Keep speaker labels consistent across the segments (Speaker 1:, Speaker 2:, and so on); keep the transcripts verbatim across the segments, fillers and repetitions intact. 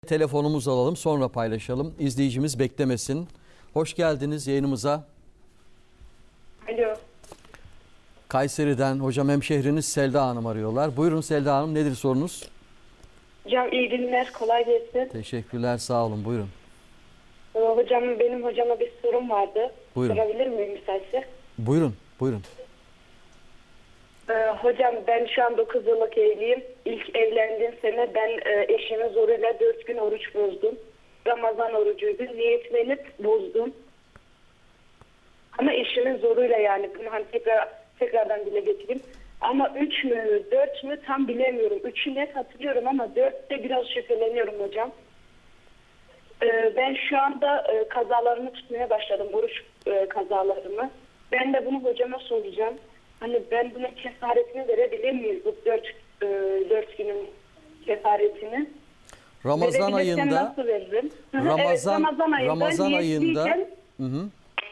Speaker 1: Telefonumuzu alalım, sonra paylaşalım. İzleyicimiz beklemesin. Hoş geldiniz yayınımıza.
Speaker 2: Alo.
Speaker 1: Kayseri'den hocam hemşehriniz Selda Hanım arıyorlar. Buyurun Selda Hanım, nedir sorunuz?
Speaker 2: Hocam iyi günler, kolay gelsin.
Speaker 1: Teşekkürler, sağ olun, buyurun.
Speaker 2: Ee, hocam benim hocama bir sorum vardı.
Speaker 1: Buyurun.
Speaker 2: Sorabilir miyim müsaitse?
Speaker 1: Buyurun, buyurun.
Speaker 2: Ee, hocam ben şu an dokuz yıllık evliyim. İlk evlendiğim sene ben e, eşimin zoruyla dört gün oruç bozdum. Ramazan orucuydu. Niyetlenip bozdum. Ama eşimin zoruyla, yani bunu hani tekrar tekrardan dile getireyim. Ama üç mü dört mü tam bilemiyorum. Üçü net hatırlıyorum ama dörtte biraz şüpheleniyorum hocam. Ee, ben şu anda e, kazalarımı tutmaya başladım. Oruç e, kazalarımı. Ben de bunu hocama soracağım. Hani ben bunun kefaretini verebilir miyiz? Bu dört, e, dört günün kefaretini.
Speaker 1: Ramazan
Speaker 2: Verebilirsem
Speaker 1: ayında
Speaker 2: nasıl veririm?
Speaker 1: Ramazan,
Speaker 2: evet, Ramazan ayında,
Speaker 1: Ramazan ayında
Speaker 2: niyetliyken-
Speaker 1: hı hı,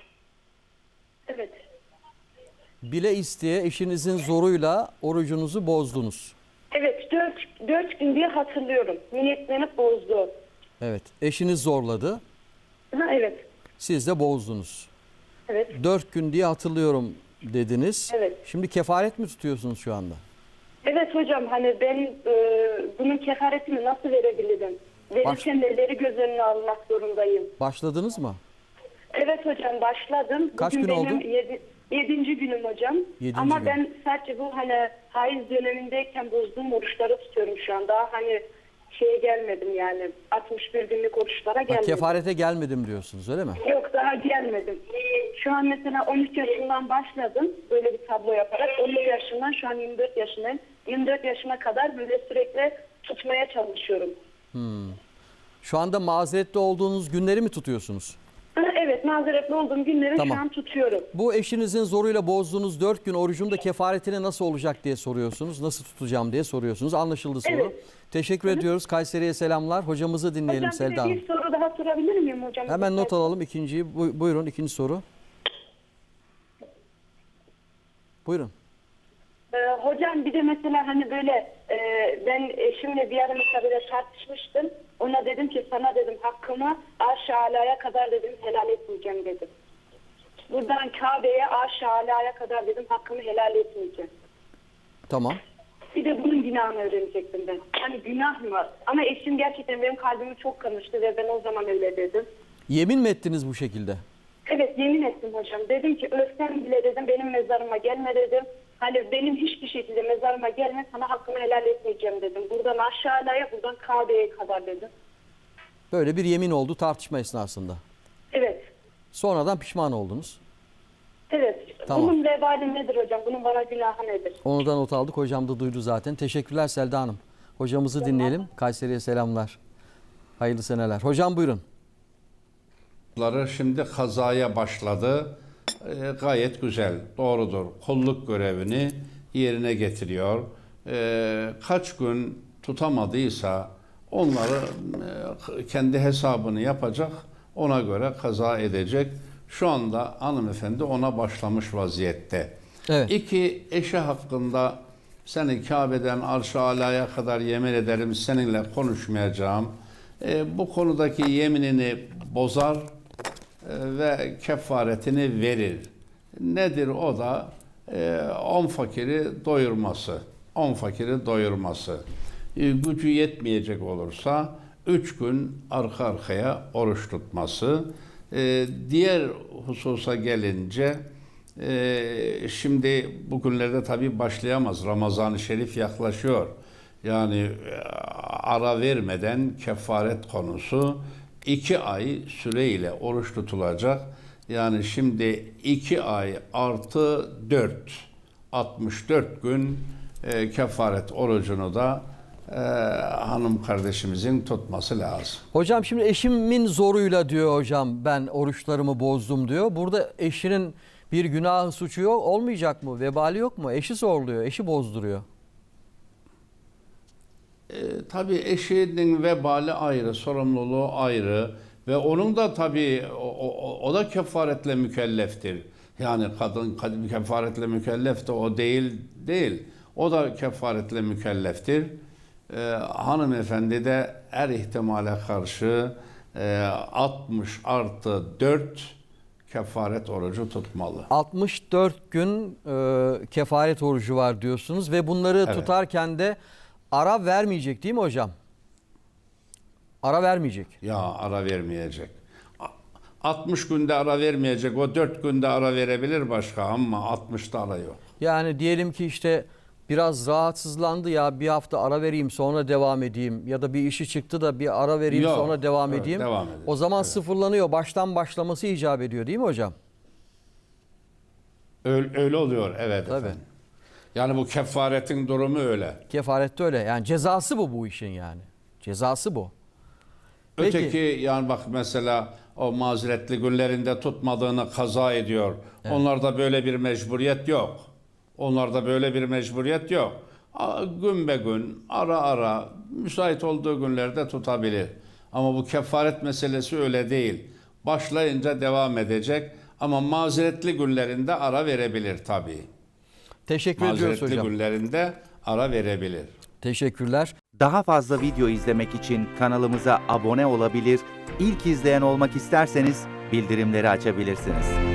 Speaker 2: evet.
Speaker 1: bile isteye eşinizin zoruyla orucunuzu bozdunuz.
Speaker 2: Evet, dört, dört gün diye hatırlıyorum. Niyetlenip bozdu.
Speaker 1: Evet, eşiniz zorladı,
Speaker 2: Ha, evet.
Speaker 1: siz de bozdunuz.
Speaker 2: Evet.
Speaker 1: Dört gün diye hatırlıyorum dediniz.
Speaker 2: Evet.
Speaker 1: Şimdi kefaret mi tutuyorsunuz şu anda?
Speaker 2: Evet hocam, hani ben e, bunun kefaretini nasıl verebilirim? Verirken neleri göz önüne almak zorundayım?
Speaker 1: Başladınız mı?
Speaker 2: Evet hocam, başladım.
Speaker 1: Kaç
Speaker 2: Bugün
Speaker 1: gün
Speaker 2: benim
Speaker 1: oldu?
Speaker 2: Yedi, yedinci günüm hocam.
Speaker 1: Yedinci
Speaker 2: Ama
Speaker 1: gün.
Speaker 2: ben sadece bu hani haiz dönemindeyken bozduğum oruçları tutuyorum şu an. Daha hani şeye gelmedim yani. altmış bir günlük oruçlara
Speaker 1: Ha,
Speaker 2: gelmedim.
Speaker 1: kefarete gelmedim diyorsunuz, öyle mi?
Speaker 2: Yok, daha gelmedim. Şu an mesela on üç yaşından başladım böyle bir tablo yaparak. on üç yaşından şu an yirmi dört yaşındayım. yirmi dört yaşına kadar böyle sürekli tutmaya çalışıyorum.
Speaker 1: Şu anda mazeretli olduğunuz günleri mi tutuyorsunuz?
Speaker 2: Ha, evet, mazeretli olduğum günleri
Speaker 1: Tamam.
Speaker 2: şu an tutuyorum.
Speaker 1: Bu eşinizin zoruyla bozduğunuz dört gün orucun da kefaretine nasıl olacak diye soruyorsunuz. Nasıl tutacağım diye soruyorsunuz. Anlaşıldı soru.
Speaker 2: Evet.
Speaker 1: Teşekkür ediyoruz. Kayseri'ye selamlar. Hocamızı dinleyelim
Speaker 2: Hocam bir
Speaker 1: Selda
Speaker 2: de
Speaker 1: Hanım.
Speaker 2: bir soru daha sorabilir miyim hocam?
Speaker 1: Hemen not alalım ikinciyi. Bu- Buyurun ikinci soru. Buyurun.
Speaker 2: Ee, hocam bir de mesela hani böyle e, ben eşimle bir ara mesela böyle tartışmıştım. Ona dedim ki sana dedim hakkımı arş-ı alaya kadar dedim helal etmeyeceğim dedim. Buradan Kabe'ye arş-ı alaya kadar dedim hakkımı helal etmeyeceğim.
Speaker 1: Tamam.
Speaker 2: Bir de bunun günahını öğrenecektim ben. Hani günah mı? Ama eşim gerçekten benim kalbimi çok kırmıştı ve ben o zaman öyle dedim.
Speaker 1: Yemin mi ettiniz bu şekilde?
Speaker 2: Evet, yemin ettim hocam. Dedim ki ölsem bile dedim benim mezarıma gelme dedim. Hani benim hiçbir şekilde mezarıma gelme, sana hakkımı helal etmeyeceğim dedim. Buradan aşağıya, buradan Kabe'ye kadar dedim.
Speaker 1: Böyle bir yemin oldu tartışma esnasında.
Speaker 2: Evet.
Speaker 1: Sonradan pişman oldunuz.
Speaker 2: Evet.
Speaker 1: Tamam.
Speaker 2: Bunun vebali nedir hocam? Bunun bana günahı nedir?
Speaker 1: Onu da not aldık. Hocam da duydu zaten. Teşekkürler Selda Hanım. Hocamızı dinleyelim. Kayseri'ye selamlar. Hayırlı seneler. Hocam buyurun.
Speaker 3: Şimdi kazaya başladı. E, gayet güzel, doğrudur. Kulluk görevini yerine getiriyor. E, kaç gün tutamadıysa onları e, kendi hesabını yapacak, ona göre kaza edecek. Şu anda hanımefendi ona başlamış vaziyette.
Speaker 1: Evet.
Speaker 3: İki, eşi hakkında seni Kabe'den Arş-ı Ala'ya kadar yemin ederim seninle konuşmayacağım. E, bu konudaki yeminini bozar ve kefaretini verir. Nedir o da? E, on fakiri doyurması. On fakiri doyurması. E, gücü yetmeyecek olursa üç gün arka arkaya oruç tutması. E, diğer hususa gelince e, şimdi bugünlerde tabii başlayamaz. Ramazan-ı Şerif yaklaşıyor. Yani e, ara vermeden kefaret konusu iki ay süreyle oruç tutulacak. Yani şimdi iki ay artı dört, altmış dört gün e, kefaret orucunu da e, hanım kardeşimizin tutması lazım.
Speaker 1: Hocam şimdi eşimin zoruyla diyor hocam ben oruçlarımı bozdum diyor. Burada eşinin bir günahı suçu yok olmayacak mı? Vebali yok mu? Eşi zorluyor, eşi bozduruyor.
Speaker 3: E, tabii eşinin vebali ayrı, sorumluluğu ayrı ve onun da tabii o, o, o da kefaretle mükelleftir. Yani kadın, kadın kefaretle mükellef de o değil değil. O da kefaretle mükelleftir. e, hanımefendi de her ihtimale karşı e, altmış artı dört kefaret orucu tutmalı.
Speaker 1: altmış dört gün e, kefaret orucu var diyorsunuz ve bunları
Speaker 3: Evet.
Speaker 1: tutarken de ara vermeyecek değil mi hocam? Ara vermeyecek.
Speaker 3: Ya ara vermeyecek. A- altmış günde ara vermeyecek. O dört günde ara verebilir başka ama altmışta ara yok.
Speaker 1: Yani diyelim ki işte biraz rahatsızlandı ya bir hafta ara vereyim sonra devam edeyim ya da bir işi çıktı da bir ara vereyim
Speaker 3: Yok,
Speaker 1: sonra devam
Speaker 3: evet,
Speaker 1: edeyim.
Speaker 3: devam edin.
Speaker 1: O zaman
Speaker 3: Evet.
Speaker 1: sıfırlanıyor. Baştan başlaması icap ediyor değil mi hocam?
Speaker 3: Öyle, öyle oluyor evet
Speaker 1: Tabii.
Speaker 3: efendim. Yani bu kefaretin durumu öyle.
Speaker 1: Kefarette öyle. Yani cezası bu bu işin yani. Cezası bu. Peki.
Speaker 3: Öteki yani bak mesela o mazeretli günlerinde tutmadığını kaza ediyor. Onlarda böyle bir mecburiyet yok. Onlarda böyle bir mecburiyet yok. A- Gün be gün, ara ara, müsait olduğu günlerde tutabilir. Ama bu kefaret meselesi öyle değil. Başlayınca devam edecek ama mazeretli günlerinde ara verebilir tabii.
Speaker 1: Teşekkür ediyoruz
Speaker 3: Mazeretli
Speaker 1: hocam.
Speaker 3: günlerinde ara verebilir.
Speaker 1: Teşekkürler.
Speaker 4: Daha fazla video izlemek için kanalımıza abone olabilir, ilk izleyen olmak isterseniz bildirimleri açabilirsiniz.